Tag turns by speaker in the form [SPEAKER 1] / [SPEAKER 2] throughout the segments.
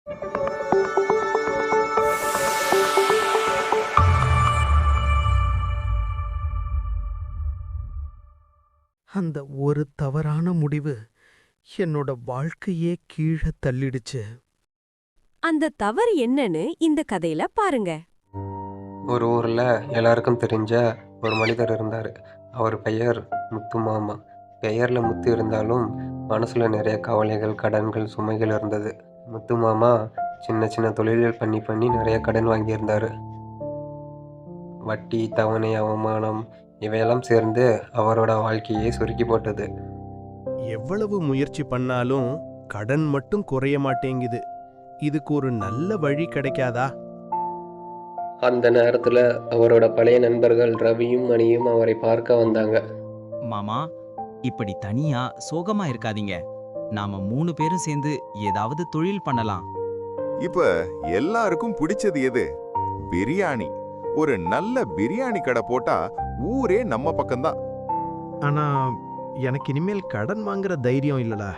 [SPEAKER 1] அந்த ஒரு தவறான முடிவு என்னோட வாழ்க்கையே கீழே தள்ளிடுச்சு.
[SPEAKER 2] அந்த தவறு என்னன்னு இந்த கதையில பாருங்க.
[SPEAKER 3] ஒரு ஊரில் எல்லாருக்கும் தெரிஞ்ச ஒரு மனிதர் இருந்தார். அவர் பெயர் முத்து மாமா. பெயரில் முத்து இருந்தாலும் மனசில் நிறைய கவலைகள், கடன்கள், சுமைகள் இருந்தது. முத்து மாமா சின்ன சின்ன தொழில்கள் பண்ணி நிறைய கடன் வாங்கியிருந்தார். வட்டி, தவணை, அவமானம் இவையெல்லாம் சேர்ந்து அவரோட வாழ்க்கையை சுருக்கி போட்டது.
[SPEAKER 1] எவ்வளவு முயற்சி பண்ணாலும் கடன் மட்டும் குறைய மாட்டேங்குது. இதுக்கு ஒரு நல்ல வழி கிடைக்காதா?
[SPEAKER 3] அந்த நேரத்தில் அவரோட பழைய நண்பர்கள் ரவியும் மணியும் அவரை பார்க்க வந்தாங்க.
[SPEAKER 4] மாமா, இப்படி தனியா சோகமா இருக்காதீங்க. நாம 3 பேரும் சேர்ந்து ஏதாவது தொழில் பண்ணலாம்.
[SPEAKER 5] இப்ப எல்லாருக்கும் பிடிச்சது எது? பிரியாணி. ஒரு நல்ல பிரியாணி கடை போட்டா ஊரே நம்ம பக்கம்தான்.
[SPEAKER 1] ஆனா எனக்கு இனிமேல் கடன் வாங்குற தைரியம் இல்லடா.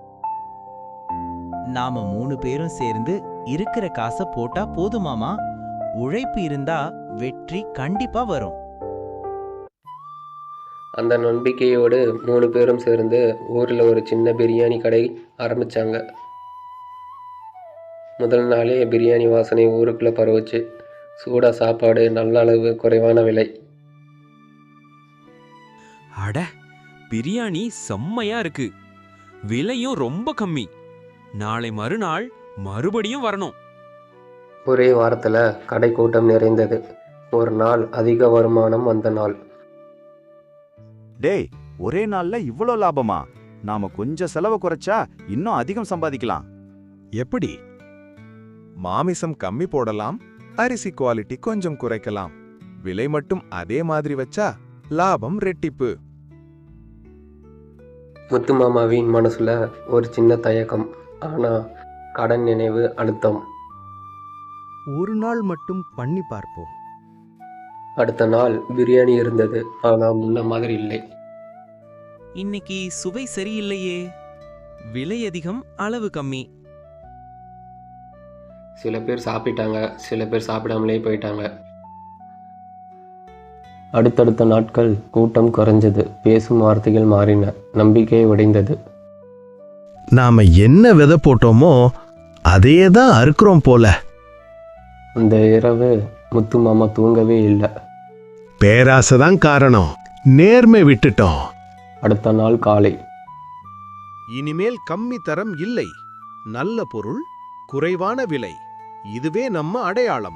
[SPEAKER 4] நாம 3 பேரும் சேர்ந்து இருக்கிற காசை போட்டா போதுமாமா. உழைப்பு இருந்தா வெற்றி கண்டிப்பா வரும்.
[SPEAKER 3] அந்த நம்பிக்கையோடு 3 பேரும் சேர்ந்து ஊரில் ஒரு சின்ன பிரியாணி கடை ஆரம்பிச்சாங்க. முதல் நாளே பிரியாணி வாசனை ஊருக்குள்ளே பரவுச்சு. சூடா சாப்பாடு, நல்ல அளவு, குறைவான விலை.
[SPEAKER 6] அட, பிரியாணி செம்மையா இருக்கு, விலையும் ரொம்ப கம்மி. நாளை மறுநாள் மறுபடியும் வரணும்.
[SPEAKER 3] ஒரே வாரத்தில் கடை கூட்டம் நிறைந்தது. ஒரு நாள் அதிக வருமானம் வந்த நாள்.
[SPEAKER 7] டேய், ஒரே நாள்ல இவ்வளோ லாபமா? நாம கொஞ்சம் செலவு குறைச்சா இன்னும் அதிகம் சம்பாதிக்கலாம்.
[SPEAKER 8] எப்படி? மாமிசம் கம்மி போடலாம், அரிசி குவாலிட்டி கொஞ்சம் குறைக்கலாம், விலை மட்டும் அதே மாதிரி வச்சா லாபம் ரெட்டிப்பு.
[SPEAKER 3] முத்து மாமாவின் மனசுல ஒரு சின்ன தயக்கம். ஆனா கடன் நினைவு அழுத்தம்.
[SPEAKER 1] ஒரு நாள் மட்டும் பண்ணி பார்ப்போம்.
[SPEAKER 3] அடுத்த நாள் பிரியாணி இருந்தது. ஆனா முன்ன மாதிரி இல்லை.
[SPEAKER 6] இன்னைக்கு சுவை சரியில்லையே, விலை அதிகம், அளவு கம்மி.
[SPEAKER 3] சில பேர் சாப்பிட்டாங்க, சில பேர் சாப்பிடாமலே போயிட்டாங்க. அடுத்தடுத்த நாட்கள் கூட்டம் குறைஞ்சது. பேசும் வார்த்தைகள் மாறின. நம்பிக்கை உடைந்தது.
[SPEAKER 1] நாம என்ன விதை போட்டோமோ அதே தான் அறுக்கிறோம் போல.
[SPEAKER 3] அந்த இரவு முத்து மாமா தூங்கவே இல்லை.
[SPEAKER 1] பேராசைதான் காரணம், நேர்மை விட்டுட்டோம்.
[SPEAKER 3] அடுத்த நாள் காலை.
[SPEAKER 1] இனிமேல் கம்மி தரம் இல்லை, நல்ல பொருள், குறைவான விலை, இதுவே நம்ம அடையாளம்.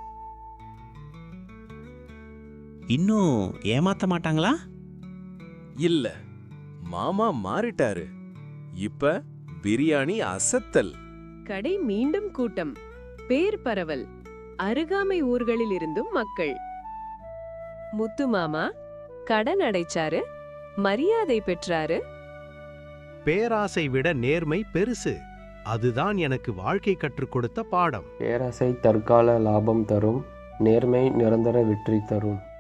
[SPEAKER 4] இன்னும் ஏமாத்த மாட்டாங்களா?
[SPEAKER 8] இல்ல, மாமா மாறிட்டாரு. இப்ப பிரியாணி அசத்தல்.
[SPEAKER 9] கடை மீண்டும் கூட்டம், பேர் பரவல், அருகாமை ஊர்களில் இருந்தும் மக்கள். முத்து மாமா கடன் அடைச்சாரு, மரியாதை பெற்றாரு.
[SPEAKER 1] பேராசை விட நேர்மை பெருசு. அதுதான் எனக்கு வாழ்க்கை கற்றுக் கொடுத்த பாடம்.
[SPEAKER 3] பேராசை தற்கால லாபம் தரும், நேர்மை நிரந்தர வெற்றி தரும்.